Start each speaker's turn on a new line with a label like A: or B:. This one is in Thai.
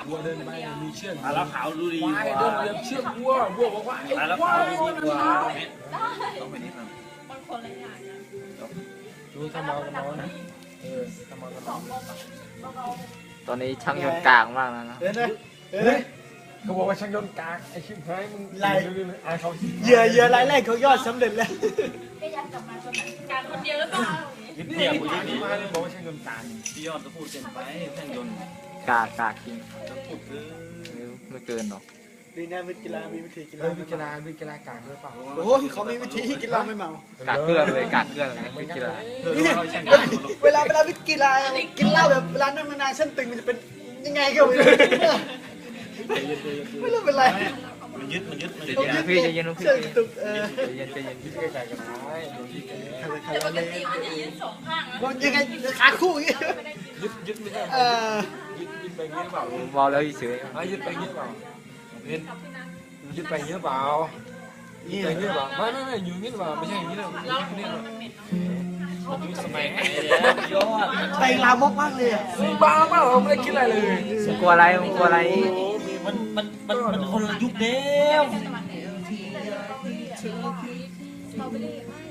A: วัวเดินไปมีเชือก
B: แล้วขาวดูดี
A: ควายเดินเหยียบเชือกวัวบอกว่าไอ้
B: แล้ว
A: ควา
B: ขาวย ดูดีกว่า
C: ต้องไปนิดนึง
D: มันคนละอย่างนะ
A: ดูทำเมากันเมานะทำเมากันเมา
E: ตอนนี้ช่างยนต์กลางมากแล้วนะ
C: เห็นไหม
A: เฮ้ยเขาบอกว่าช่างยนต์กากไอ้ชิบหายมึงไล่อ่านเขา
C: เหยื่อรายแรกเขายอดสำเร็จแล้ว
D: ก็ยันกลับมาคนไหนการคนเดียวหรือเปล่า
B: นิด
A: นี่
B: เดียว
A: ที่ที่มาบอกว่าช่างยนต์กาก
B: พี่ยอดจะพูดเกินไปแท่งยนต์
E: กากจริงไม่เกินหรอก
C: ดีนะวิทย์กีฬามีวิธีกีฬา
A: วิกฬากากด้วยเปล่า
C: โอ้ยเขามีวิธีกีฬาไม่เมาก
E: ากเกลือเลยกากเกลือเลยไม่กีฬา
C: เวลาวิทย์กีฬากินเหล้าแบบเวลานั่งนานๆเส้นตึงมันจะเป็นยังไงก็ไม่รู้ไม่รู้เป็นไร
B: มันยึด
E: พี่จะเย็นพี่
C: เส้นตึง
E: จะเย็น
A: วิกฬากากกันได้ดูที่แก
D: แต่ปกติมันจะยืนสองข้างนะ
C: มันยังไงขาคู่อย่างงี้
A: ยึดไม่ใช่ ยึดไปเงี้ยเปล่า
E: เมาแล้วเฉย
A: ยึดไปเงี้ยเปล่าเห็นยึดไปเงี้ยเปล่ายึดไปเงี้ยเปล่าไม่อยู่เงี้ยเปล่าไม่ใช่อย่างนี้นะ
D: เรา
A: นี่นะ
B: สมัยไหนยอด
C: ไปลามกมากเลยอ่ะ
A: บ้าเปล่าไม่ได้คิดอะไรเลย
E: กลัวอะไรกลัวอะไร
B: มันคนละยุคเดียว
D: สตรอเบอรี่ไม่